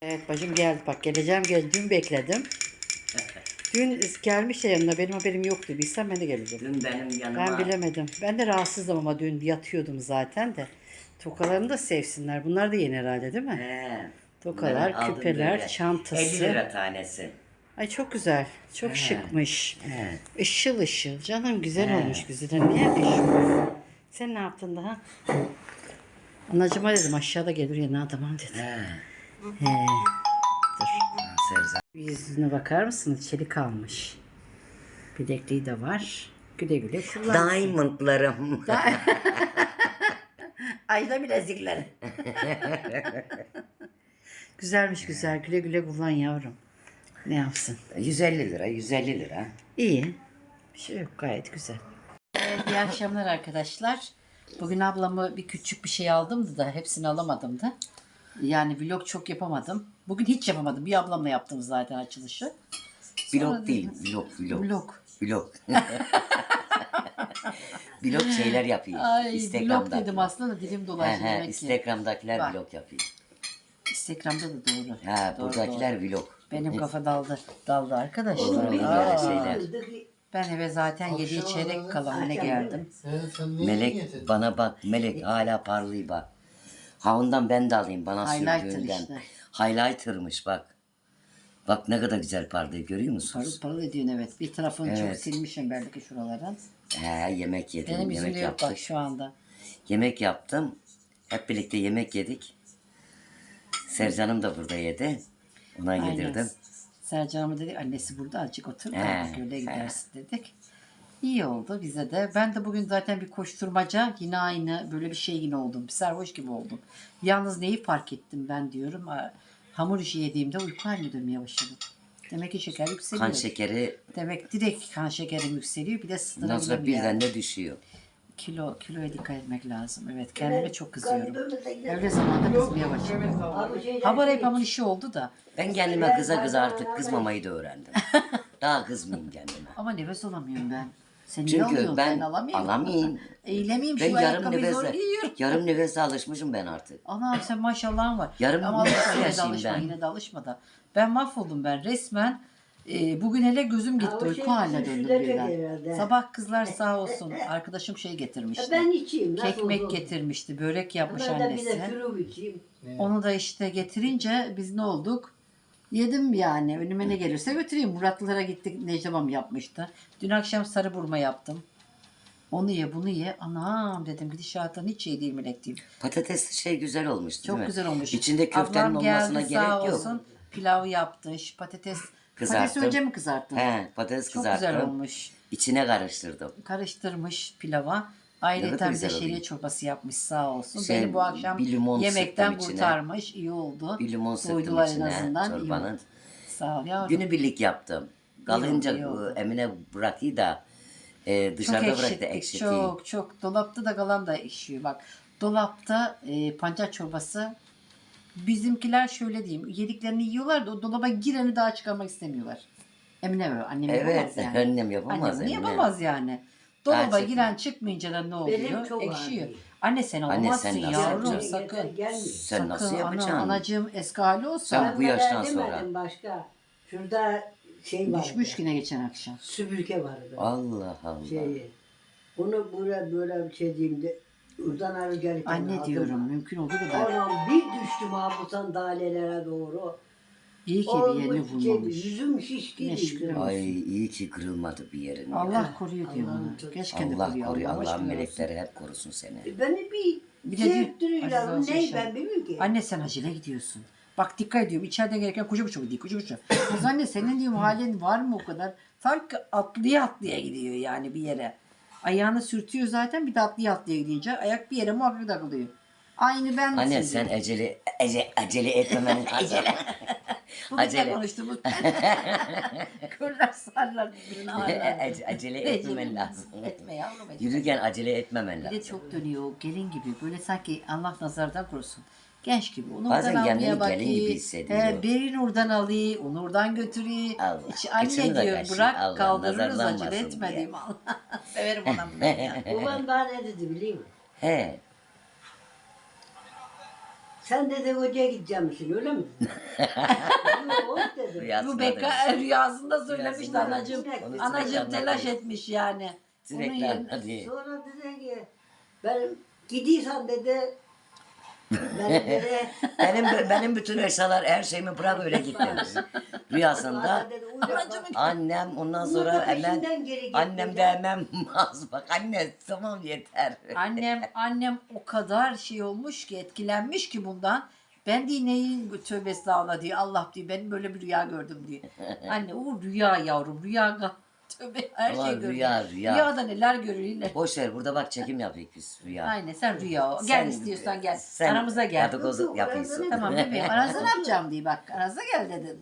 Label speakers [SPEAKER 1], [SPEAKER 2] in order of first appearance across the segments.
[SPEAKER 1] Evet bacım geldi. Bak geleceğim dün bekledim. Dün gelmiş de yanına benim haberim yoktu. Bilsem ben de gelirdim.
[SPEAKER 2] Dün benim
[SPEAKER 1] Ben
[SPEAKER 2] yanıma
[SPEAKER 1] bilemedim. Ben de rahatsızdım ama dün yatıyordum zaten de. Tokalarını da sevsinler. Bunlar da yeni herhalde değil mi?
[SPEAKER 2] he, bunları
[SPEAKER 1] Tokalar,
[SPEAKER 2] aldım
[SPEAKER 1] küpeler,
[SPEAKER 2] böyle. 50
[SPEAKER 1] çantası.
[SPEAKER 2] lira tanesi.
[SPEAKER 1] Ay çok güzel. Çok
[SPEAKER 2] He,
[SPEAKER 1] şıkmış.
[SPEAKER 2] he,
[SPEAKER 1] Işıl ışıl. Canım güzel
[SPEAKER 2] he.
[SPEAKER 1] olmuş güzel. Niye üşümüyor? Sen ne yaptın daha? Anacıma dedim aşağıda gelir yanına tamam dedi.
[SPEAKER 2] He.
[SPEAKER 1] He. Dur.
[SPEAKER 2] Sevzan.
[SPEAKER 1] Yüzüne bakar mısınız? Çelik almış. Bilekliği de var. Güle güle kullansın.
[SPEAKER 2] Diamondlarım.
[SPEAKER 1] Ayda bilezikleri. Güzelmiş güzel. Güle güle kullan yavrum. Ne yapsın?
[SPEAKER 2] 150 lira, 150 lira.
[SPEAKER 1] İyi. Bir şey yok. Gayet güzel. Evet, iyi akşamlar arkadaşlar. Bugün ablamı bir küçük bir şey aldımdı da hepsini alamadım da. Yani vlog çok yapamadım. Bugün hiç yapamadım. Bir ablamla yaptım zaten açılışı.
[SPEAKER 2] Vlog değil, vlog.
[SPEAKER 1] Vlog.
[SPEAKER 2] Vlog. Vlog şeyler yapıyor.
[SPEAKER 1] Ay
[SPEAKER 2] Instagram'da.
[SPEAKER 1] vlog dedim aslında da dilim dolaştı demek ki.
[SPEAKER 2] Instagram'dakiler
[SPEAKER 1] Bak.
[SPEAKER 2] vlog yapıyor.
[SPEAKER 1] Instagram'da da doğru.
[SPEAKER 2] Ha,
[SPEAKER 1] Doğru,
[SPEAKER 2] buradakiler
[SPEAKER 1] doğru.
[SPEAKER 2] vlog.
[SPEAKER 1] Benim kafa daldı arkadaşlar.
[SPEAKER 2] Olur böyle
[SPEAKER 1] Aa.
[SPEAKER 2] şeyler.
[SPEAKER 1] Ben eve zaten 7'ye çeyrek kala ne geldim.
[SPEAKER 2] Melek bana bak, Melek hala parlıyor bak. Ha ondan ben de alayım bana
[SPEAKER 1] Highlighter
[SPEAKER 2] sürdüğünden.
[SPEAKER 1] işte.
[SPEAKER 2] Highlighter'mış bak. Bak ne kadar güzel parlıyor görüyor musunuz?
[SPEAKER 1] Parıl parıl ediyorsun evet. Bir tarafını çok
[SPEAKER 2] Evet.
[SPEAKER 1] silmişim belki şuralardan.
[SPEAKER 2] He yemek yedim,
[SPEAKER 1] Benim
[SPEAKER 2] yemek
[SPEAKER 1] yüzümde yok
[SPEAKER 2] yaptık.
[SPEAKER 1] bak şu anda.
[SPEAKER 2] Yemek yaptım. Hep birlikte yemek yedik. Sercan'ım da burada yedi. Ona yedirdim.
[SPEAKER 1] Sercan'ıma dedik annesi burada azıcık otur da
[SPEAKER 2] He,
[SPEAKER 1] öyle
[SPEAKER 2] he.
[SPEAKER 1] gidersin dedik. İyi oldu bize de. Ben de bugün zaten bir koşturmaca yine aynı böyle bir şey yine oldum. Bir sarhoş gibi oldum. Yalnız neyi fark ettim ben diyorum. Hamur işi yediğimde uyku haline dönmeye başladım. Demek ki şeker yükseliyor.
[SPEAKER 2] Kan şekeri
[SPEAKER 1] Demek direkt kan şekerim yükseliyor. Bir de
[SPEAKER 2] ondan sonra
[SPEAKER 1] sınırlı
[SPEAKER 2] birden de düşüyor.
[SPEAKER 1] kiloya dikkat etmek lazım. Evet kendime çok kızıyorum. Öyle zamanda kızmaya başladım. Haber hep hamur işi oldu da.
[SPEAKER 2] Ben kendime kıza artık kızmamayı da öğrendim. Daha kızmayayım kendime.
[SPEAKER 1] Ama nefes alamıyorum ben. Sen niye
[SPEAKER 2] Çünkü
[SPEAKER 1] alıyorsun?
[SPEAKER 2] ben
[SPEAKER 1] alamayayım.
[SPEAKER 2] alamayayım.
[SPEAKER 1] Eylemeyeyim
[SPEAKER 2] Ben
[SPEAKER 1] şu
[SPEAKER 2] yarım
[SPEAKER 1] ayakkabıyı zor
[SPEAKER 2] nefese,
[SPEAKER 1] giyiyorum.
[SPEAKER 2] yarım nefese alışmışım ben artık.
[SPEAKER 1] Anam sen maşallahın var.
[SPEAKER 2] Yarım
[SPEAKER 1] Ama
[SPEAKER 2] nefes
[SPEAKER 1] alışma, yine de
[SPEAKER 2] yaşayayım
[SPEAKER 1] alışma,
[SPEAKER 2] ben.
[SPEAKER 1] yine de alışma da. Ben mahvoldum ben resmen. Bugün hele gözüm gitti.
[SPEAKER 3] o
[SPEAKER 1] Uyku
[SPEAKER 3] şey
[SPEAKER 1] haline
[SPEAKER 3] bizim
[SPEAKER 1] döndüm
[SPEAKER 3] şurada
[SPEAKER 1] birden.
[SPEAKER 3] herhalde.
[SPEAKER 1] Sabah kızlar sağ olsun. Arkadaşım şey getirmişti.
[SPEAKER 3] Ben içeyim. Nasıl
[SPEAKER 1] Kekmek
[SPEAKER 3] olur?
[SPEAKER 1] getirmişti. Börek yapmış
[SPEAKER 3] Ben de bir
[SPEAKER 1] annesi.
[SPEAKER 3] de şurup içeyim.
[SPEAKER 1] Onu da işte getirince biz ne olduk? Yedim yani. Önüme ne gelirse götüreyim. Muratlılara gittik. Necdemam yapmıştı. Dün akşam sarı burma yaptım. Onu ye bunu ye. Anam dedim gidişattan hiç iyi değil Melek diyeyim.
[SPEAKER 2] Patatesli şey güzel olmuş değil
[SPEAKER 1] Çok
[SPEAKER 2] mi?
[SPEAKER 1] güzel olmuş.
[SPEAKER 2] İçinde köftenin
[SPEAKER 1] Ablam
[SPEAKER 2] olmasına
[SPEAKER 1] geldi,
[SPEAKER 2] gerek
[SPEAKER 1] sağ
[SPEAKER 2] yok.
[SPEAKER 1] olsun. Pilav yaptı. Patates.
[SPEAKER 2] Kızarttım.
[SPEAKER 1] Patatesi önce mi kızarttın?
[SPEAKER 2] He, patates
[SPEAKER 1] Çok
[SPEAKER 2] kızarttım.
[SPEAKER 1] güzel olmuş.
[SPEAKER 2] İçine karıştırdım.
[SPEAKER 1] Karıştırmış pilava.
[SPEAKER 2] Ne
[SPEAKER 1] Ayrıca
[SPEAKER 2] kadar
[SPEAKER 1] bir de
[SPEAKER 2] güzel
[SPEAKER 1] şehriye
[SPEAKER 2] oluyor.
[SPEAKER 1] çorbası yapmış sağ olsun.
[SPEAKER 2] Şey,
[SPEAKER 1] Beni bu akşam
[SPEAKER 2] bir limon
[SPEAKER 1] yemekten
[SPEAKER 2] sıktım içine.
[SPEAKER 1] kurtarmış. İyi oldu.
[SPEAKER 2] Bir limon sıktım
[SPEAKER 1] Doydular en
[SPEAKER 2] içine
[SPEAKER 1] azından. İyi
[SPEAKER 2] çorbanın.
[SPEAKER 1] oldu. Sağ ol yavrum.
[SPEAKER 2] Günübirlik yaptım. Kalınca
[SPEAKER 1] iyi oldu.
[SPEAKER 2] Emine bırakıyor da
[SPEAKER 1] Çok
[SPEAKER 2] dışarıda bıraktı
[SPEAKER 1] ekşittik.
[SPEAKER 2] ekşitiyor.
[SPEAKER 1] Çok. Dolapta da kalan da ekşiyor. Bak dolapta pancar çorbası bizimkiler şöyle diyeyim. Yediklerini yiyorlar da o dolaba gireni daha çıkarmak istemiyorlar. Emine böyle. Annem
[SPEAKER 2] Evet,
[SPEAKER 1] yapamaz yani.
[SPEAKER 2] annem yapamaz.
[SPEAKER 1] Annem bunu
[SPEAKER 2] Emine.
[SPEAKER 1] yapamaz yani. Dolaba
[SPEAKER 2] Gerçekten.
[SPEAKER 1] giren çıkmayınca da ne oluyor?
[SPEAKER 3] Benim çok
[SPEAKER 1] Ekşiyor.
[SPEAKER 3] ağrıyor.
[SPEAKER 1] Anne sen
[SPEAKER 2] Anne,
[SPEAKER 1] olamazsın
[SPEAKER 2] sen nasıl
[SPEAKER 1] yavrum
[SPEAKER 2] yapacaksın?
[SPEAKER 1] sakın.
[SPEAKER 3] Gelmiyor.
[SPEAKER 2] Sen nasıl
[SPEAKER 1] Sakın
[SPEAKER 2] yapacaksın?
[SPEAKER 1] anacığım eski hali olsa
[SPEAKER 2] Sen bu yaştan
[SPEAKER 3] demedim
[SPEAKER 2] sonra.
[SPEAKER 3] başka. Şurada şey vardı.
[SPEAKER 1] düşmüş yine geçen akşam.
[SPEAKER 3] Süpürge vardı.
[SPEAKER 2] Allah Allah.
[SPEAKER 3] Bunu böyle bir şey diyeyim de oradan arı gelirken
[SPEAKER 1] Anne
[SPEAKER 3] aldım.
[SPEAKER 1] diyorum mümkün olduğu kadar.
[SPEAKER 3] Anam bir düştüm bu sandalyelere doğru.
[SPEAKER 1] İyi ki bir yerini vurmamış.
[SPEAKER 3] Yüzüm şişti.
[SPEAKER 1] Ne şükür.
[SPEAKER 2] Ay iyi ki kırılmadı bir yerin. ya.
[SPEAKER 1] Allah koruyor diyor
[SPEAKER 3] Allah'ım
[SPEAKER 1] bana.
[SPEAKER 3] çok-
[SPEAKER 1] Keşke de
[SPEAKER 2] Allah
[SPEAKER 1] koruyor.
[SPEAKER 2] koruyor.
[SPEAKER 1] Allah
[SPEAKER 2] Allah'ın
[SPEAKER 1] aşkına olsun.
[SPEAKER 2] melekleri hep korusun seni.
[SPEAKER 3] Beni
[SPEAKER 1] Bir
[SPEAKER 3] bir
[SPEAKER 1] de diyor,
[SPEAKER 3] çektiriyorlar.
[SPEAKER 1] Aziz olsun
[SPEAKER 3] Ne
[SPEAKER 1] inşallah.
[SPEAKER 3] ben bilmiyorum ki.
[SPEAKER 1] Anne sen acele gidiyorsun. Bak dikkat ediyorum. İçeriden gelirken koşa koşa gidiyor. Koşa koşa. Kız anne senin diyorum halin var mı o kadar? Sanki atlaya gidiyor yani bir yere. Ayağını sürtüyor zaten bir de atlaya gidince ayak bir yere muhakkak takılıyor. Aynı ben
[SPEAKER 2] Anne
[SPEAKER 1] misin
[SPEAKER 2] sen
[SPEAKER 1] diyor.
[SPEAKER 2] acele etmemen lazım.
[SPEAKER 1] Bugün de
[SPEAKER 2] acele.
[SPEAKER 1] konuştuğumuz kırlar sarlar birbirine ağırlar.
[SPEAKER 2] Acele etmemen
[SPEAKER 1] Recep,
[SPEAKER 2] lazım.
[SPEAKER 1] Etme yavrum etme.
[SPEAKER 2] Yürürken acele etmemen
[SPEAKER 1] Bir
[SPEAKER 2] lazım.
[SPEAKER 1] de çok dönüyor gelin gibi böyle sanki Allah nazardan korusun. Genç gibi. Onu
[SPEAKER 2] Bazen
[SPEAKER 1] oradan
[SPEAKER 2] kendini
[SPEAKER 1] almaya
[SPEAKER 2] gelin gibi
[SPEAKER 1] bakıyor.
[SPEAKER 2] hissediyor.
[SPEAKER 1] Birini oradan alıyor, onu oradan götürüyor.
[SPEAKER 2] Allah,
[SPEAKER 1] Hiç anne
[SPEAKER 2] kıçını da
[SPEAKER 1] diyor
[SPEAKER 2] kaşıyor.
[SPEAKER 1] bırak
[SPEAKER 2] Allah,
[SPEAKER 1] kaldırırız
[SPEAKER 2] nazarlanmasın
[SPEAKER 1] acele etme
[SPEAKER 2] diye.
[SPEAKER 1] diyeyim. Severim adamı. Ya.
[SPEAKER 3] Babam bana ne dedi biliyor musun?
[SPEAKER 2] He.
[SPEAKER 3] Sen dedi hocaya gideceğim misin öyle mi? Yok dedi.
[SPEAKER 2] Rüyasında
[SPEAKER 1] Bu
[SPEAKER 2] demiş.
[SPEAKER 1] rüyasında söylemişti
[SPEAKER 2] Rüyasında
[SPEAKER 1] anacığım.
[SPEAKER 3] demiş. Onu
[SPEAKER 1] Anacığım
[SPEAKER 2] sürekli
[SPEAKER 1] telaş
[SPEAKER 2] anlatıyor.
[SPEAKER 1] etmiş yani. Onun
[SPEAKER 2] Sürekli
[SPEAKER 1] yerine-
[SPEAKER 2] anlatıyor.
[SPEAKER 3] Sonra dedi ki ben gidiyorsan dedi ben dedi
[SPEAKER 2] Benim bütün eşyalar her şeyimi bırak öyle git demiş. Rüyasında
[SPEAKER 3] bana dedi uyuyor bak.
[SPEAKER 2] annem ondan
[SPEAKER 3] Bunu da
[SPEAKER 2] sonra hemen
[SPEAKER 3] peşinden geri git
[SPEAKER 2] annem
[SPEAKER 3] dedi.
[SPEAKER 2] de hemen maz bak anne tamam yeter.
[SPEAKER 1] Annem o kadar şey olmuş ki etkilenmiş ki bundan. Ben de neyin tövbe estağfurullah diyor. Allah diyor benim böyle bir rüya gördüm diyor. Anne o rüya yavrum rüya tövbe her
[SPEAKER 2] Ama
[SPEAKER 1] şey görüyor.
[SPEAKER 2] rüya.
[SPEAKER 1] Rüyada neler görüyorlar.
[SPEAKER 2] Boş ver burada bak çekim yapıyoruz biz rüya.
[SPEAKER 1] Aynen sen rüya ol. Gel
[SPEAKER 2] Sen-
[SPEAKER 1] istiyorsan gel.
[SPEAKER 2] sen
[SPEAKER 1] Aramıza gel.
[SPEAKER 2] dedikodu yapıyorsun.
[SPEAKER 1] Tamam bebeğim aranızda ne yapacağım diye bak. Aranızda gel dedin.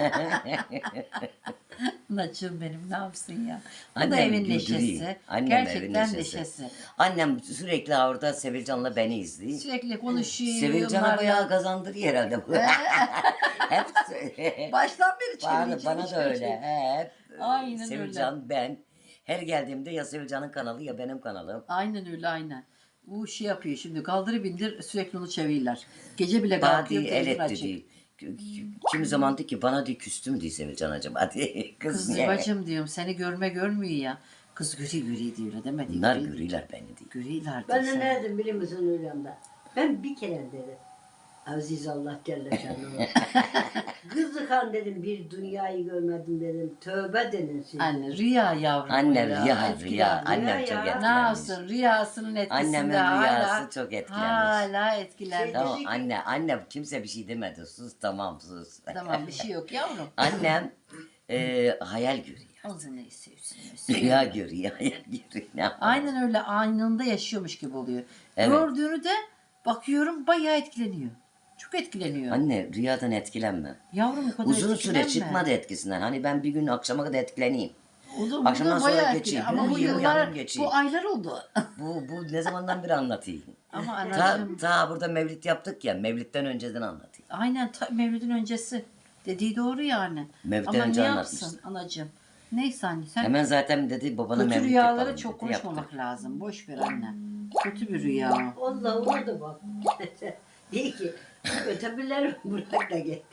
[SPEAKER 1] Naçım benim ne yapsın ya. Bu da
[SPEAKER 2] Annem
[SPEAKER 1] evin
[SPEAKER 2] güldürüyor.
[SPEAKER 1] neşesi.
[SPEAKER 2] Annem
[SPEAKER 1] Gerçekten
[SPEAKER 2] evin
[SPEAKER 1] neşesi.
[SPEAKER 2] Annem sürekli orada Sevilcan'la beni izliyor.
[SPEAKER 1] Sürekli konuşuyor.
[SPEAKER 2] Sevilcan'ı
[SPEAKER 1] onlar
[SPEAKER 2] bayağı
[SPEAKER 1] ya.
[SPEAKER 2] kazandırıyor herhalde bu. Hep
[SPEAKER 1] Baştan beri
[SPEAKER 2] bana
[SPEAKER 1] çevirici.
[SPEAKER 2] da öyle. Hep
[SPEAKER 1] Aynen
[SPEAKER 2] Sevilcan ben. Her geldiğimde ya Sevilcan'ın kanalı ya benim kanalım.
[SPEAKER 1] Aynen öyle aynen. Bu şey yapıyor şimdi kaldırı bindir sürekli onu çeviriyorlar. Gece bile
[SPEAKER 2] Bana
[SPEAKER 1] kalkıyor
[SPEAKER 2] değil,
[SPEAKER 1] televizyon
[SPEAKER 2] el etti
[SPEAKER 1] açık.
[SPEAKER 2] değil. Kimi zaman diyor ki bana diyor küstüm diyor Sevilcan acaba diye. Kız
[SPEAKER 1] Kız
[SPEAKER 2] niye?
[SPEAKER 1] bacım diyorum seni görmüyor ya. Kız göri diyor öyle demedi.
[SPEAKER 2] Bunlar görüyorlar beni diyor.
[SPEAKER 1] Görüyorlar
[SPEAKER 3] Ben
[SPEAKER 1] diyor
[SPEAKER 3] de
[SPEAKER 1] sen.
[SPEAKER 3] nereden biliyor musun rüyamda? Ben bir kere dedi. Aziz Allah Celle Şanlı'na. Kızı kan dedim bir dünyayı görmedim dedim. Tövbe dedim siz.
[SPEAKER 1] Anne rüya yavrum.
[SPEAKER 2] Anne
[SPEAKER 1] ya,
[SPEAKER 2] rüya
[SPEAKER 1] etkilenmiş.
[SPEAKER 2] Annem
[SPEAKER 3] Rüya
[SPEAKER 2] çok
[SPEAKER 3] ya.
[SPEAKER 1] Ne
[SPEAKER 2] etkilenmiş.
[SPEAKER 1] yapsın rüyasının etkisinde
[SPEAKER 2] Annemin
[SPEAKER 1] hala.
[SPEAKER 2] rüyası çok etkilenmiş.
[SPEAKER 1] Hala etkilenmiş.
[SPEAKER 3] Şey-
[SPEAKER 2] Tamam
[SPEAKER 3] Dedi ki-
[SPEAKER 2] anne kimse bir şey demedi sus tamam sus.
[SPEAKER 1] Tamam bir şey yok yavrum.
[SPEAKER 2] Annem hayal görüyor.
[SPEAKER 1] Ağzını neyse
[SPEAKER 2] Rüya görüyor hayal görüyor. Ne yapalım?
[SPEAKER 1] Aynen öyle anında yaşıyormuş gibi oluyor.
[SPEAKER 2] Evet.
[SPEAKER 1] Gördüğünü de bakıyorum bayağı etkileniyor. Çok etkileniyor.
[SPEAKER 2] Anne rüyadan etkilenme.
[SPEAKER 1] Yavrum o kadar
[SPEAKER 2] Uzun süre
[SPEAKER 1] etkilenme.
[SPEAKER 2] çıkmadı etkisinden. Hani ben bir gün akşama kadar etkileneyim.
[SPEAKER 1] Oğlum,
[SPEAKER 2] Akşamdan
[SPEAKER 1] bu da
[SPEAKER 2] sonra
[SPEAKER 1] bayağı
[SPEAKER 2] geçeyim.
[SPEAKER 1] etkili. Ama bu
[SPEAKER 2] Yürüyeyim,
[SPEAKER 1] yıllar,
[SPEAKER 2] yanım geçeyim.
[SPEAKER 1] bu aylar oldu.
[SPEAKER 2] Bu ne zamandan beri anlatayım.
[SPEAKER 1] Ama
[SPEAKER 2] Ta,
[SPEAKER 1] anacığım,
[SPEAKER 2] ta burada mevlit yaptık ya. Mevlitten önceden anlatayım.
[SPEAKER 1] aynen Mevlid'in öncesi. Dediği doğru yani.
[SPEAKER 2] Mevlid'den
[SPEAKER 1] Ama
[SPEAKER 2] önce
[SPEAKER 1] ne
[SPEAKER 2] anlatmıştı.
[SPEAKER 1] yapsın anacığım? Neyse anne sen
[SPEAKER 2] Hemen zaten dedi babana
[SPEAKER 1] kötü
[SPEAKER 2] mevlit
[SPEAKER 1] rüyaları
[SPEAKER 2] yapalım
[SPEAKER 1] çok
[SPEAKER 2] dedi,
[SPEAKER 1] konuşmamak
[SPEAKER 2] yaptık.
[SPEAKER 1] lazım. Boş ver anne. Kötü bir rüya.
[SPEAKER 3] Allah ona da bak. Diyor ki ötebilir bırak da gitti.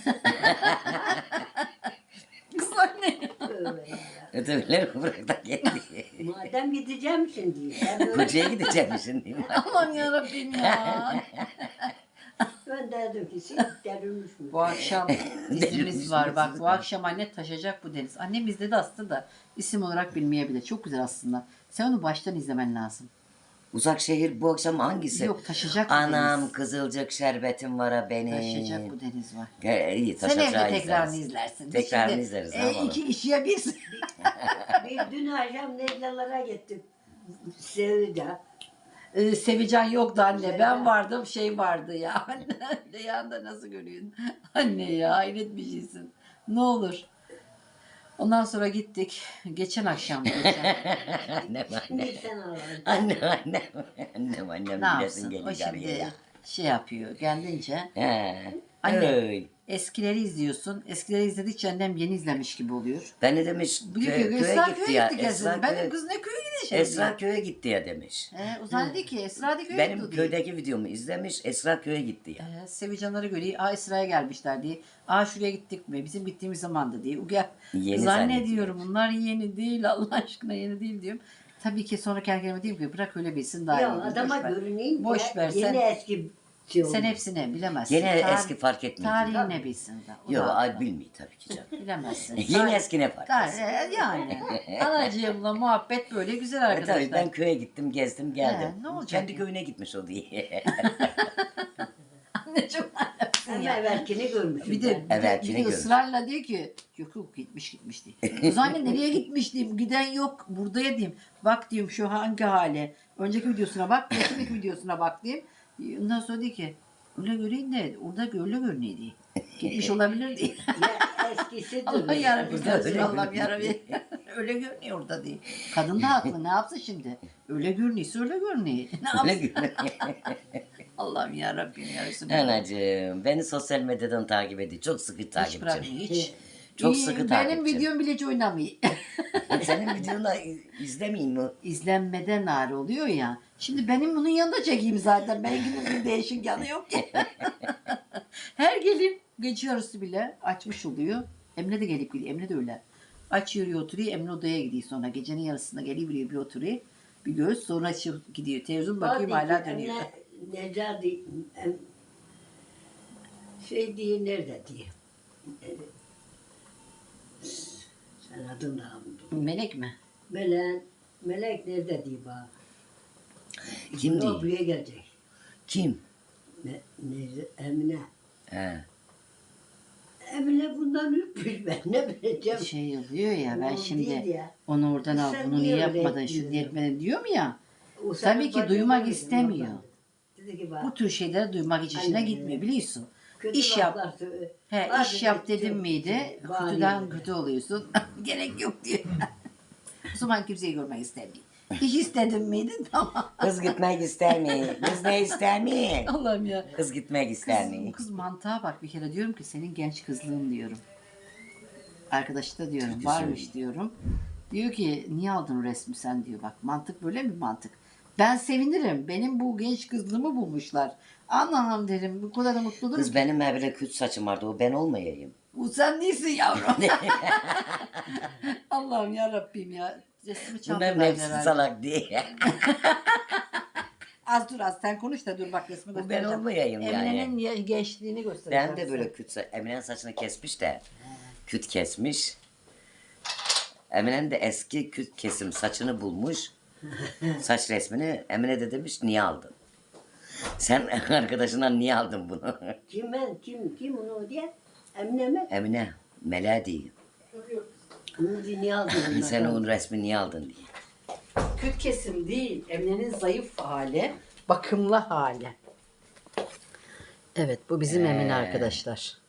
[SPEAKER 1] Kız anne.
[SPEAKER 3] Tövbe ya.
[SPEAKER 2] Ötebileri bırak da gitti.
[SPEAKER 3] Madem gideceğim şimdi. Ben, böyle,
[SPEAKER 2] Kocaya gideceğim şimdi.
[SPEAKER 1] Aman yarabbim ya.
[SPEAKER 3] ben dedim ki siz derilmiş mi?
[SPEAKER 1] Bu akşam dizimiz var bak. Bu akşam anne taşacak bu deniz. Annem izledi aslında da isim olarak bilmeyebilir. Çok güzel aslında. Sen onu baştan izlemen lazım.
[SPEAKER 2] Uzak şehir bu akşam hangisi?
[SPEAKER 1] Yok taşacak bu
[SPEAKER 2] Anam
[SPEAKER 1] deniz.
[SPEAKER 2] kızılcık şerbetim var ha benim.
[SPEAKER 1] Taşacak bu deniz var.
[SPEAKER 2] İyi
[SPEAKER 1] Sen
[SPEAKER 2] taşacağı
[SPEAKER 1] evde tekrarını
[SPEAKER 2] izleriz.
[SPEAKER 1] izlersin. Biz
[SPEAKER 2] Tekrarını
[SPEAKER 1] şimdi,
[SPEAKER 2] izleriz, ne yapalım?
[SPEAKER 1] İki kişiye bir.
[SPEAKER 3] Bir dün akşam Neclalara gittim. Sevda.
[SPEAKER 1] Sevican yoktu anne. Ben vardım şey vardı ya. Anne yanında nasıl görüyorsun? Anne ya hayret bir şeysin. Ne olur. Ondan sonra gittik. Geçen akşam.
[SPEAKER 2] Annem
[SPEAKER 3] Şimdi sen ağladın.
[SPEAKER 2] annem
[SPEAKER 1] Ne
[SPEAKER 2] bilesin
[SPEAKER 1] yapsın?
[SPEAKER 2] geliyor
[SPEAKER 1] O
[SPEAKER 2] araya
[SPEAKER 1] şimdi
[SPEAKER 2] ya.
[SPEAKER 1] şey yapıyor. Kendince.
[SPEAKER 2] He.
[SPEAKER 1] Anne.
[SPEAKER 2] Öy.
[SPEAKER 1] Eskileri izliyorsun. Eskileri izledikçe annem yeni izlemiş gibi oluyor.
[SPEAKER 2] Ben ne demiş?
[SPEAKER 1] Diyor ki
[SPEAKER 2] Köye
[SPEAKER 1] Esra
[SPEAKER 2] gitti
[SPEAKER 1] köye
[SPEAKER 2] ya.
[SPEAKER 1] gitti kesin.
[SPEAKER 2] Esra
[SPEAKER 1] Ben de
[SPEAKER 2] köye,
[SPEAKER 1] kız ne köye gideceğim
[SPEAKER 2] Esra
[SPEAKER 1] diyor.
[SPEAKER 2] köye gitti ya demiş.
[SPEAKER 1] O zannediyor ki Esra da köye
[SPEAKER 2] Benim
[SPEAKER 1] gitti diyor.
[SPEAKER 2] köydeki videomu izlemiş. Esra köye gitti ya.
[SPEAKER 1] Sevicanları görüyor. Esra'ya gelmişler diye. Şuraya gittik mi? Bizim gittiğimiz zamanda diye.
[SPEAKER 2] Yeni
[SPEAKER 1] Zannediyorum bunlar yeni değil. Allah aşkına yeni değil diyorum. Tabii ki sonra kendi kendime diyeyim ki bırak öyle bilsin daha
[SPEAKER 3] Ya
[SPEAKER 1] iyi.
[SPEAKER 3] adama görüneyim
[SPEAKER 1] Boş
[SPEAKER 3] ya,
[SPEAKER 1] ver,
[SPEAKER 3] yeni
[SPEAKER 1] sen-
[SPEAKER 3] eski şey oldu.
[SPEAKER 1] Sen hepsini bilemezsin.
[SPEAKER 2] Yine
[SPEAKER 1] Tarih-
[SPEAKER 2] eski fark etmiyor.
[SPEAKER 1] Tarihi ne bilsin de. O
[SPEAKER 2] Yok
[SPEAKER 1] da-
[SPEAKER 2] ay bilmiyor tabii ki canım.
[SPEAKER 1] Bilemezsin.
[SPEAKER 2] Yeni eski ne fark etsin?
[SPEAKER 1] Yani. Anacığımla muhabbet böyle güzel arkadaşlar.
[SPEAKER 2] Tabii ben köye gittim, gezdim, geldim.
[SPEAKER 1] Ne olacak
[SPEAKER 2] Kendi
[SPEAKER 1] ya?
[SPEAKER 2] köyüne gitmiş o diye.
[SPEAKER 1] Anne çok annemsin
[SPEAKER 3] Ama
[SPEAKER 1] ya.
[SPEAKER 3] evvelkini görmüşüm
[SPEAKER 1] Bir de,
[SPEAKER 3] ben.
[SPEAKER 2] Evet,
[SPEAKER 1] bir
[SPEAKER 2] yine
[SPEAKER 1] de
[SPEAKER 2] görmüş.
[SPEAKER 1] ısrarla diyor ki yok gitmiş diye. O zaman nereye gitmiş diyeyim. Giden yok. Buradaya diyeyim. Bak diyeyim şu hangi hale. Önceki videosuna bak. Önceki videosuna bak diyeyim. Ondan sonra diyor ki öyle göreyim de orada öyle görünüyor diye. Gitmiş olabilir diye.
[SPEAKER 3] Ya eskisi
[SPEAKER 1] Allah
[SPEAKER 3] duruyor.
[SPEAKER 1] yarabbim.
[SPEAKER 2] Burada öyle
[SPEAKER 1] Allah'ım
[SPEAKER 2] görünüyor.
[SPEAKER 1] yarabbim. Öyle görünüyor orada diye. Kadın da haklı. Ne yapsın şimdi? Öyle görünüyorsa öyle görünüyor. Ne
[SPEAKER 2] Öyle
[SPEAKER 1] yapsın?
[SPEAKER 2] görünüyor.
[SPEAKER 1] Allah'ım yarabbim ya Resulallah.
[SPEAKER 2] Anacığım beni sosyal medyadan takip ediyor. Çok sıkı
[SPEAKER 1] Hiç
[SPEAKER 2] takipçim.
[SPEAKER 1] bırakmıyor hiç.
[SPEAKER 2] Çok
[SPEAKER 1] İyi,
[SPEAKER 2] sıkı
[SPEAKER 1] benim
[SPEAKER 2] takipçim.
[SPEAKER 1] videom bile hiç oynamıyor.
[SPEAKER 2] Senin videonu izlemeyeyim mi?
[SPEAKER 1] İzlenmeden ağrı oluyor ya. Şimdi benim bunun yanında çekeyim zaten. Benimkinin bir değişik yanı yok ki. Her gelip gece yarısı bile açmış oluyor. Emre de gelip gidiyor. Emre de öyle. Aç yürüyor oturuyor. Emre odaya gidiyor sonra. Gecenin yarısında geliyor bir oturuyor. Bir göz sonra gidiyor. Televizyon bakayım hala dönüyor.
[SPEAKER 3] Necati şey diye nerede diye. Sen adını da unuttum.
[SPEAKER 1] Melek mi?
[SPEAKER 3] Melek nerede diye bak.
[SPEAKER 2] Kim
[SPEAKER 3] O
[SPEAKER 2] değil?
[SPEAKER 3] buraya gelecek.
[SPEAKER 2] Kim?
[SPEAKER 3] Emine.
[SPEAKER 2] He.
[SPEAKER 3] Emine bundan ürkmüş ben ne bileceğim.
[SPEAKER 1] Şey oluyor ya ben
[SPEAKER 3] O
[SPEAKER 1] şimdi
[SPEAKER 3] değil ya.
[SPEAKER 1] onu oradan al
[SPEAKER 3] Sen
[SPEAKER 1] bunu
[SPEAKER 3] niye
[SPEAKER 1] niye
[SPEAKER 3] öyle
[SPEAKER 1] yapmadın
[SPEAKER 3] ettin
[SPEAKER 1] şunu
[SPEAKER 3] ya?
[SPEAKER 1] etmedin diyor mu ya?
[SPEAKER 3] O
[SPEAKER 1] Tabii
[SPEAKER 3] senin
[SPEAKER 1] ki
[SPEAKER 3] bacın
[SPEAKER 1] duymak
[SPEAKER 3] öyle,
[SPEAKER 1] istemiyor.
[SPEAKER 3] ondan. Dedi ki bak.
[SPEAKER 1] Bu tür şeyleri duymak hiç işine
[SPEAKER 3] Aynen.
[SPEAKER 1] gitmiyor biliyorsun.
[SPEAKER 3] Kötü
[SPEAKER 1] İş yap.
[SPEAKER 3] laflar söyle.
[SPEAKER 1] He,
[SPEAKER 3] Bazı
[SPEAKER 1] iş yap
[SPEAKER 3] kötü-
[SPEAKER 1] dedim miydi
[SPEAKER 3] Bazı
[SPEAKER 1] kötüden
[SPEAKER 3] yerlere.
[SPEAKER 1] kötü oluyorsun. Gerek yok diyor. O zaman kimseyi görmek istemiyor. İş istedim miydi tamam.
[SPEAKER 2] Kız gitmek ister mi? Kız ne ister mi?
[SPEAKER 1] Allah'ım ya.
[SPEAKER 2] Kız gitmek ister mi?
[SPEAKER 1] Kız mantığa bak bir kere diyorum ki senin genç kızlığın diyorum. Arkadaşı da diyorum varmış diyorum. Diyor ki niye aldın o resmi sen diyor bak mantık böyle mi mantık? Ben sevinirim. Benim bu genç kızlığımı bulmuşlar. Anlamam derim. Bu kadar da mutlu olurum.
[SPEAKER 2] Kız benim böyle küt saçım vardı. O ben olmayayım.
[SPEAKER 1] Bu sen değilsin yavrum. Allah'ım ya Rabbim ya. Resmi
[SPEAKER 2] Bunların
[SPEAKER 1] çaldılar
[SPEAKER 2] hepsi
[SPEAKER 1] herhalde.
[SPEAKER 2] salak diye.
[SPEAKER 1] Az dur az sen konuş da dur bak resmi
[SPEAKER 2] Bu ben
[SPEAKER 1] göstereceğim.
[SPEAKER 2] olmayayım yani.
[SPEAKER 1] Emine'nin gençliğini göstereceğim.
[SPEAKER 2] Ben de
[SPEAKER 1] size.
[SPEAKER 2] böyle Emine'nin saçını kesmiş de. Küt kesmiş. Emine'nin de eski küt kesim saçını bulmuş. Saç resmini Emine de demiş niye aldın? Sen arkadaşından niye aldın bunu?
[SPEAKER 3] Kim onu diye? Emine mi?
[SPEAKER 2] Emine, Mela değil.
[SPEAKER 3] Bunu diye niye aldın?
[SPEAKER 2] Sen onun resmini niye aldın diye.
[SPEAKER 1] Küt kesim değil. Emine'nin zayıf hali. Bakımlı hali. Evet bu bizim Emine arkadaşlar.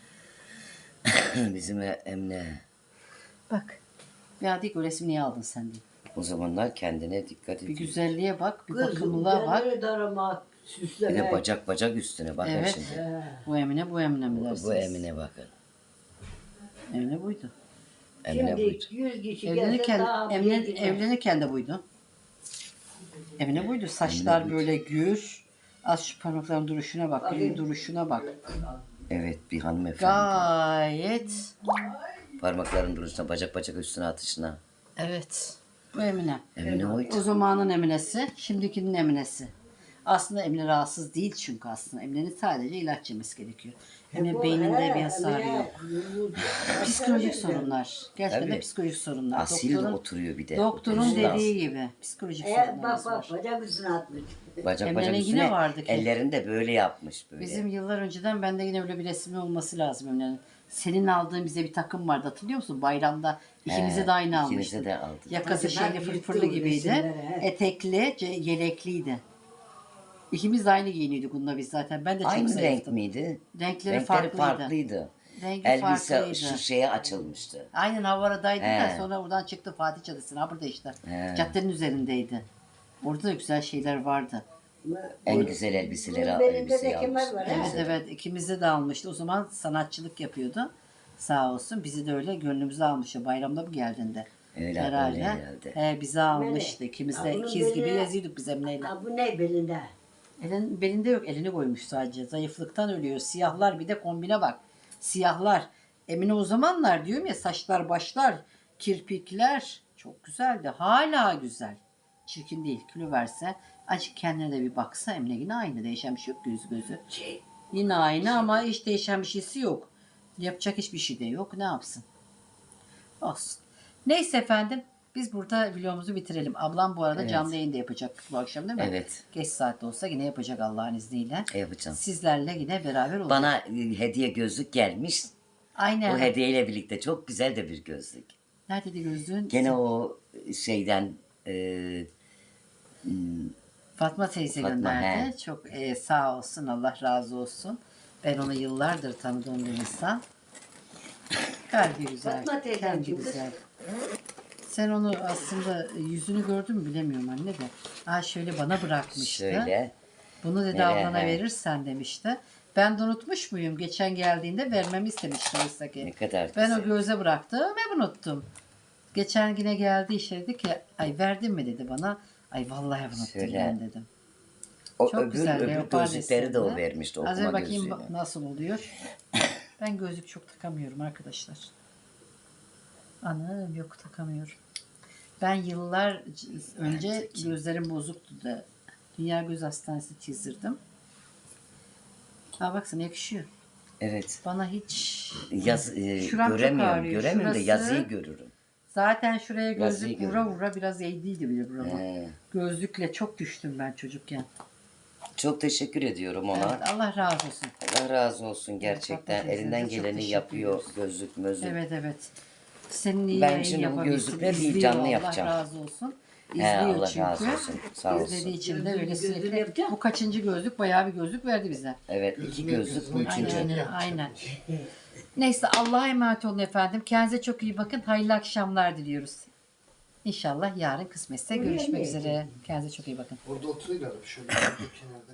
[SPEAKER 2] Bizim Emine.
[SPEAKER 1] Bak. Ya dik o resmi niye aldın sen diye.
[SPEAKER 2] O zamanlar kendine dikkat
[SPEAKER 1] Bir
[SPEAKER 2] et.
[SPEAKER 1] güzelliğe bak, bir
[SPEAKER 3] Kız,
[SPEAKER 1] bakımlılığa bak.
[SPEAKER 3] böyle daramak,
[SPEAKER 2] Bir
[SPEAKER 3] süslemek.
[SPEAKER 2] de bacak üstüne bakın
[SPEAKER 1] Evet.
[SPEAKER 2] şimdi.
[SPEAKER 1] Bu Emine, bu Emine mi dersiniz?
[SPEAKER 2] Bu Emine bakın.
[SPEAKER 1] Emine buydu.
[SPEAKER 2] Emine
[SPEAKER 3] Şimdi
[SPEAKER 2] buydu.
[SPEAKER 3] 100 kişi gelse
[SPEAKER 1] Evlenirken,
[SPEAKER 3] daha
[SPEAKER 1] Emine,
[SPEAKER 3] bir girmez.
[SPEAKER 1] evlenirken de buydu. Emine buydu. Saçlar
[SPEAKER 2] Emine buydu.
[SPEAKER 1] böyle gür. Az şu parmakların duruşuna bak,
[SPEAKER 3] Bakayım.
[SPEAKER 1] elin duruşuna bak.
[SPEAKER 2] Evet bir hanımefendi.
[SPEAKER 1] Gayet.
[SPEAKER 2] Parmakların duruşuna, bacak üstüne atışına.
[SPEAKER 1] Evet. Bu Emine.
[SPEAKER 2] Emine oydu.
[SPEAKER 1] O zamanın Emine'si, şimdikinin Emine'si. Aslında Emine rahatsız değil çünkü aslında. Emine'nin sadece ilaç yemesi gerekiyor. Emine beyninde bir hasarı yok. Psikolojik sorunlar. Gerçekten de
[SPEAKER 2] Tabii.
[SPEAKER 1] psikolojik sorunlar.
[SPEAKER 2] Asil oturuyor bir de.
[SPEAKER 1] Doktorun
[SPEAKER 2] Oturması lazım.
[SPEAKER 1] dediği gibi psikolojik sorunlarımız
[SPEAKER 3] Bak
[SPEAKER 1] var.
[SPEAKER 3] bacak üstüne atmış.
[SPEAKER 2] Bacak
[SPEAKER 1] Emre'nin
[SPEAKER 2] üstüne
[SPEAKER 1] yine vardı ki.
[SPEAKER 2] ellerini de böyle yapmış böyle.
[SPEAKER 1] Bizim yıllar önceden bende yine öyle bir resmi olması lazım Emine'nin. Senin aldığın bize bir takım vardı hatırlıyor musun? Bayramda ikimize de aynı
[SPEAKER 2] ikinize
[SPEAKER 1] almıştın.
[SPEAKER 2] de aldık.
[SPEAKER 1] Yakası
[SPEAKER 3] Bacaklar
[SPEAKER 1] şeyli
[SPEAKER 3] yırttı
[SPEAKER 1] fırfırlı
[SPEAKER 3] o
[SPEAKER 1] gibiydi.
[SPEAKER 3] resimleri, he.
[SPEAKER 1] Etekli, yelekliydi. İkimiz de aynı giyiniyorduk bununla biz zaten. Ben de çok
[SPEAKER 2] Aynı renk
[SPEAKER 1] zayıftım.
[SPEAKER 2] miydi?
[SPEAKER 1] Renkleri farklıydı. Rengi
[SPEAKER 2] Elbise
[SPEAKER 1] farklıydı.
[SPEAKER 2] şu şeye açılmıştı.
[SPEAKER 1] Aynen Havaradaydı da
[SPEAKER 2] He.
[SPEAKER 1] sonra oradan çıktı Fatih Caddesi'ne. Ha burada işte.
[SPEAKER 2] He.
[SPEAKER 1] Caddenin üzerindeydi. Orada da güzel şeyler vardı.
[SPEAKER 2] En güzel elbiseleri
[SPEAKER 3] Bunun belinde
[SPEAKER 2] elbiseyi
[SPEAKER 3] de kemer
[SPEAKER 2] almıştı.
[SPEAKER 3] var,
[SPEAKER 1] Evet
[SPEAKER 3] he?
[SPEAKER 1] evet ikimizi de almıştı. O zaman sanatçılık yapıyordu. Sağ olsun bizi de öyle gönlümüze almıştı. Bayramda mı geldiğinde?
[SPEAKER 2] Öyle,
[SPEAKER 1] Herhalde.
[SPEAKER 2] öyle herhalde.
[SPEAKER 1] He, bizi almıştı. İkimiz
[SPEAKER 3] Ha,
[SPEAKER 1] de
[SPEAKER 3] bunun
[SPEAKER 1] ikiz gibi
[SPEAKER 3] beline-
[SPEAKER 1] geziyorduk biz Emine'yle.
[SPEAKER 3] Ha, bu ne belinde?
[SPEAKER 1] Belinde yok elini koymuş sadece. Zayıflıktan ölüyor. Siyahlar bir de kombine bak. Siyahlar. Emine o zamanlar diyorum ya saçlar başlar, kirpikler çok güzeldi. Hala güzel. Çirkin değil. Kilo verse azıcık kendine de bir baksa Emine yine aynı. Değişen bir şey yok gözü.
[SPEAKER 3] Şey,
[SPEAKER 1] Yine aynı ama hiç değişen bir şeysi yok. Yapacak hiçbir şey de yok. Ne yapsın? Olsun. Neyse efendim. Biz burada videomuzu bitirelim. Ablam bu arada
[SPEAKER 2] Evet.
[SPEAKER 1] canlı yayında yapacak bu akşam değil mi?
[SPEAKER 2] Evet.
[SPEAKER 1] Geç saatte olsa yine yapacak Allah'ın izniyle.
[SPEAKER 2] Yapacağım.
[SPEAKER 1] Sizlerle yine beraber olacağız.
[SPEAKER 2] Bana hediye gözlük gelmiş.
[SPEAKER 1] Aynen.
[SPEAKER 2] O hediyeyle birlikte çok güzel de bir gözlük.
[SPEAKER 1] Neredeydi gözlüğün?
[SPEAKER 2] Gene o şeyden
[SPEAKER 1] Fatma teyze
[SPEAKER 2] Fatma,
[SPEAKER 1] gönderdi.
[SPEAKER 2] he.
[SPEAKER 1] Çok sağ olsun. Allah razı olsun. Ben onu yıllardır tanıdığım bir insan. Kalbi güzel.
[SPEAKER 3] Fatma teyzen
[SPEAKER 1] Kendi
[SPEAKER 3] kim kız?
[SPEAKER 1] güzel. Sen onu aslında yüzünü gördün mü bilemiyorum anne de. Şöyle bana bırakmıştı.
[SPEAKER 2] şöyle.
[SPEAKER 1] Bunu dedi
[SPEAKER 2] Nereye,
[SPEAKER 1] ablana
[SPEAKER 2] he.
[SPEAKER 1] verirsen demişti. Ben de unutmuş muyum? Geçen geldiğinde vermemi istemişti oysa
[SPEAKER 2] Ne
[SPEAKER 1] ki.
[SPEAKER 2] kadar
[SPEAKER 1] Ben
[SPEAKER 2] güzel.
[SPEAKER 1] o göze bıraktım ve unuttum. Geçen yine geldi işte dedi ki ay verdin mi dedi bana. Ay vallahi unuttum
[SPEAKER 2] Şöyle.
[SPEAKER 1] ben dedim.
[SPEAKER 2] O
[SPEAKER 1] Çok
[SPEAKER 2] öbür,
[SPEAKER 1] güzel
[SPEAKER 2] öbür
[SPEAKER 1] leopar
[SPEAKER 2] gözlükleri de o
[SPEAKER 1] desenli.
[SPEAKER 2] vermişti,
[SPEAKER 1] Az
[SPEAKER 2] okuma
[SPEAKER 1] önce bakayım
[SPEAKER 2] gözlüğünü.
[SPEAKER 1] nasıl oluyor. Ben gözlük çok takamıyorum arkadaşlar. Anam yok takamıyorum. Ben yıllar önce gözlerim bozuktu da Dünya Göz Hastanesi çizdirdim. Ha baksana yakışıyor.
[SPEAKER 2] Evet.
[SPEAKER 1] Bana hiç
[SPEAKER 2] Göremiyorum.
[SPEAKER 1] çok ağrıyor.
[SPEAKER 2] Göremiyorum da
[SPEAKER 1] Şurası-
[SPEAKER 2] yazıyı görürüm.
[SPEAKER 1] zaten şuraya
[SPEAKER 2] Yazıyı
[SPEAKER 1] gözlük vura
[SPEAKER 2] görüyorum.
[SPEAKER 1] vura biraz eğdiydi bile burama.
[SPEAKER 2] He.
[SPEAKER 1] Gözlükle çok düştüm ben çocukken.
[SPEAKER 2] Çok teşekkür ediyorum ona.
[SPEAKER 1] Evet, Allah razı olsun.
[SPEAKER 2] Allah razı olsun gerçekten.
[SPEAKER 1] Fatma teyzemize
[SPEAKER 2] Elinden
[SPEAKER 1] çok
[SPEAKER 2] geleni
[SPEAKER 1] teşekkür
[SPEAKER 2] yapıyor,
[SPEAKER 1] ediyoruz.
[SPEAKER 2] gözlük mözlük.
[SPEAKER 1] Evet evet. Senin iyi
[SPEAKER 2] Ben
[SPEAKER 1] yayın
[SPEAKER 2] şimdi bu
[SPEAKER 1] yapabilsin.
[SPEAKER 2] gözlükleri bir
[SPEAKER 1] İzliyor,
[SPEAKER 2] canlı yapacağım.
[SPEAKER 1] Allah razı olsun.
[SPEAKER 2] He,
[SPEAKER 1] İzliyor
[SPEAKER 2] Allah
[SPEAKER 1] çünkü.
[SPEAKER 2] razı olsun. Sağ olsun.
[SPEAKER 1] İzlediği için de öyle
[SPEAKER 3] Gözünü
[SPEAKER 1] sürekli.
[SPEAKER 3] yapacağım.
[SPEAKER 1] Bu kaçıncı gözlük? Bayağı bir gözlük verdi bize.
[SPEAKER 2] Evet, iki gözlük bu üçüncü.
[SPEAKER 1] Aynen. Neyse Allah'a emanet olun efendim. Kendinize çok iyi bakın. Hayırlı akşamlar diliyoruz. İnşallah yarın kısmetse görüşmek üzere. Kendinize çok iyi bakın.
[SPEAKER 4] Orada oturuyorlar. Şöyle kenarda.